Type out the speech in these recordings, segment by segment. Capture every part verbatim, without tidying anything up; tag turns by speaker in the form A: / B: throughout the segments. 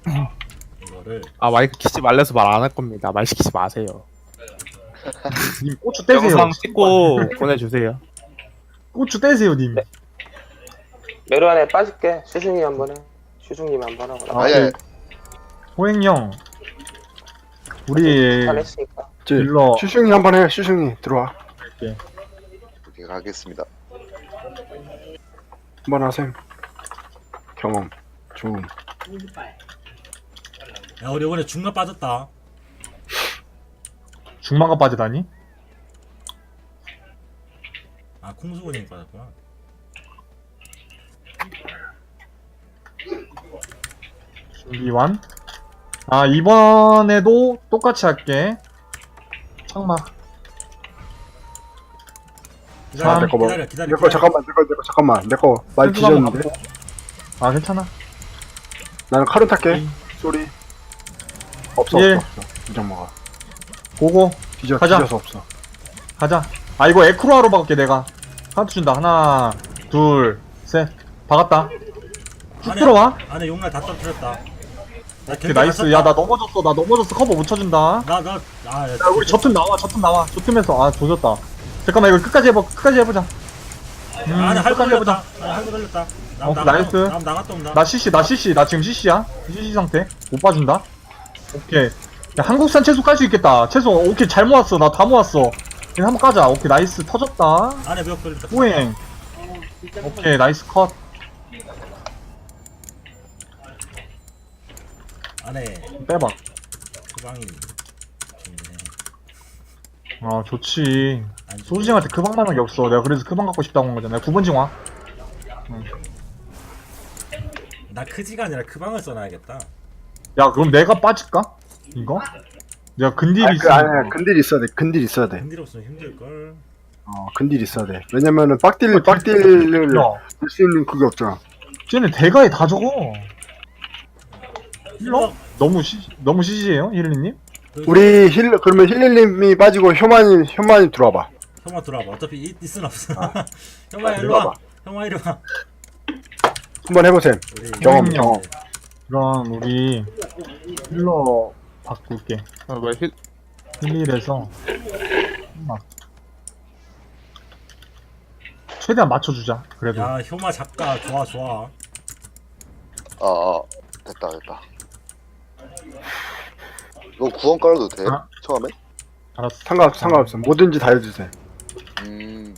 A: 이거를
B: 아 마이크 키지 말래서 말 안 할 겁니다. 말 시키지 마세요.
C: 님 고추 떼세요.
B: 영상 찍고 보내주세요.
C: 고추 떼세요 님.
D: 네. 메로 안에 빠질게. 슈슝님 한 번 해. 슈슝님 한 번 하고.
C: 아,
E: 아니, 아니.
C: 호행이 형. 우리
D: 잘 했으니까.
E: 저,
C: 일러.
E: 슈슝이 한번 해, 슈슝이. 들어와.
F: 오케이, 가겠습니다.
E: 한번 하셈. 경험. 좋음.
A: 야 우리 이번에 중간 빠졌다.
C: 중망가 빠지다니?
A: 아 콩수군이 빠졌구나.
C: 준비 완. 아 이번에도 똑같이 할게. 창마.
A: 기다려
C: 내
E: 거 봐.
A: 기다려 기다려.
E: 내 거, 잠깐만, 내 거, 내 거, 잠깐만. 내 거, 말 뒤졌는데.
C: 아 괜찮아.
E: 나는 칼은 탈게. 쏘리. 없어,
C: 예.
E: 없어, 없어. 이정 먹어.
C: 고고.
E: 뒤져,
C: 가자.
E: 뒤져서 없어.
C: 가자. 아 이거 에크로아로 박을게 내가. 카운트 준다. 하나, 둘, 셋. 박았다. 쭉
A: 안에-
C: 들어와.
A: 안에 용날 다 떨어뜨렸다. 나
C: 오케이 나이스. 야 나 넘어졌어. 나 넘어졌어. 커버 못 쳐준다.
A: 나나아
C: 야 우리 저틈 나와. 저틈 나와. 저틈에서 아 조졌다. 잠깐만 이거 끝까지 해봐. 끝까지 해보자. 음,
A: 안에 할거
C: 끝까지 해보자.
A: 걸렸다. 안에 할거 걸렸다. 나
C: 어,
A: 나갔다-
C: 나이스.
A: 나 나갔다 온다.
C: 나 씨씨 나 씨씨 나 지금 씨씨야. 씨씨 상태. 못 봐준다. 오케이. 야 한국산 채소 깔 수 있겠다. 채소 오케이 잘 모았어. 나 다 모았어. 이거 한번 까자. 오케이 나이스 터졌다.
A: 안에 몇 걸렸다.
C: 호행. 오케이 나이스 컷.
A: 안에
C: 빼봐.
A: 소방이 좋네.
C: 아 좋지.
A: 안 좋네.
C: 소주징한테 그 방만한 게 없어. 내가 그래서 그 방 갖고 싶다고 한 거잖아. 구 번 징화.
A: 나 크지가 아니라 그 방을 써놔야겠다.
C: 야 그럼 내가 빠질까? 이거? 내가 근딜이
E: 아니, 그,
C: 있으면
E: 아니, 근딜 있어야 돼. 근딜 있어야 돼.
A: 근딜 없으면 힘들걸.
E: 어, 근딜 있어야 돼. 왜냐면은, 빡딜, 빡딜을
C: 야
E: 할 수 있는 그게 없잖아.
C: 쟤네 대가에 다 적어. 힐러? 너무 시 너무 시시해요 힐리님?
A: 그
E: 우리 힐, 그러면 힐리님이 빠지고, 효만이, 효만이 들어와봐.
A: 형아 들어와봐. 어차피 있, 있은 없어. 형아
E: 아,
A: 이리 와.
E: 들어와봐.
A: 형아 이리 와.
E: 한번 해보셈.
A: 우리
E: 경험,
C: 음.
E: 경험.
C: 그럼 우리 힐러 바꿀게.
B: 아, 왜 힐,
C: 힐일에서 막 최대한 맞춰주자. 그래도
A: 야 효마 작가 좋아 좋아.
F: 아, 아, 됐다, 됐다. 이거 구원 깔아도 돼?
C: 아.
F: 처음에?
C: 알았어.
E: 상관없어, 상관없어. 뭐든지 다 해주세요.
F: 음,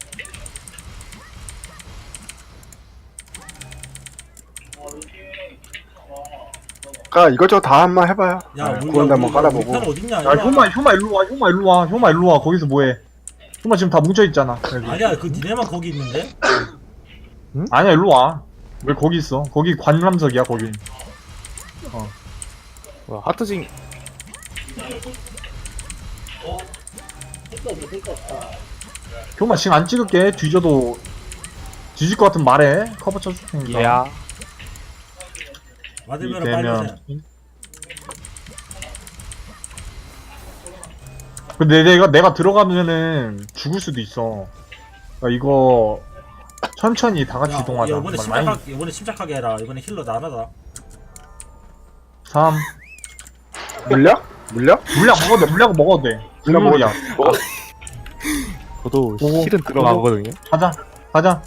E: 까 이것저것 다 한번 해봐요.
A: 야
E: 아,
A: 우리
E: 구원도 한번 깔아보고.
A: 우리 편 어딨냐?
C: 야 효마 효마 일로 와. 효마 일로 와. 효마 일로 와. 거기서 뭐해? 효마 지금 다 뭉쳐 있잖아. 여기.
A: 아니야 그 니네만 거기 있는데?
C: 아니야 일로 와. 왜 거기 있어? 거기 관람석이야 거기.
B: 뭐야, 하트징.
C: 효마 지금 안 찍을게. 뒤져도 뒤질 것 같으면 말해. 커버 쳐줄 테니까.
B: 얘야.
A: 맞으면 빨리
C: 되면.
A: 오세요.
C: 근데 내가 내가 들어가면은 죽을 수도 있어. 그러니까 이거 천천히 다 같이
A: 야,
C: 이동하자.
A: 야, 이번에
C: 정말 많이.
A: 침착하게 이번에 침착하게 해라. 이번에 힐러 나 하나다.
C: 삼.
E: 물려? 물려?
C: 물약 먹어도 돼. 물약 먹어도 돼.
E: 물약 먹어도
C: 물약.
B: 저도
C: 오고,
B: 힐은 들어가거든요.
C: 가자. 가자.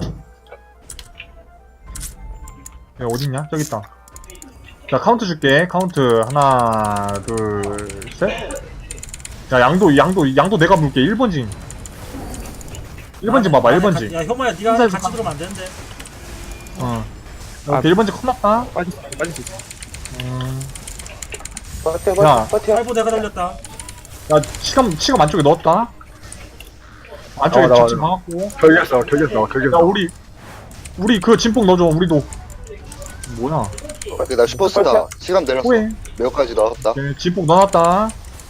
C: 야 어딨냐? 저기 있다. 자 카운트 줄게. 카운트 하나, 둘, 셋. 자 양도 양도 양도 내가 물게. 일 번징. 일 번징 봐봐. 일 번징.
A: 야 효마야 네가
C: 인사해서
A: 같이
C: 가-
A: 들어오면 안 되는데.
C: 어.
B: 아.
C: 오케이 일 번징 컵났다.
B: 빠질 수 있어, 빠질 수 있어.
C: 음.
D: 버텨,
C: 야.
D: 버텨, 버텨.
A: 팔보 내가 돌렸다.
C: 야 치감 치감 안쪽에 넣었다. 안쪽에
E: 어, 나와,
C: 집중
E: 나와.
C: 박았고.
E: 결겼어, 결겼어,
C: 야
E: 결겼어.
C: 우리 우리 그 진폭 넣어줘. 우리도. 뭐야?
F: 오케이, 나 슈퍼스타. 시간 내렸어.
C: 호해.
F: 매우까지 나왔다.
C: 오케이, 진폭 넣어놨다.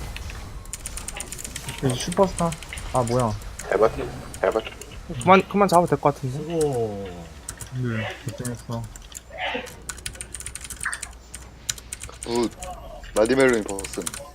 C: 오케이, 슈퍼스타. 아 뭐야?
D: 잘 버텨, 잘 버텨.
B: 그만, 그만 잡아도 될 것 같은데.
A: 수고.
C: 네, 결정했어.
F: 굿. 라디멜로인 버슨.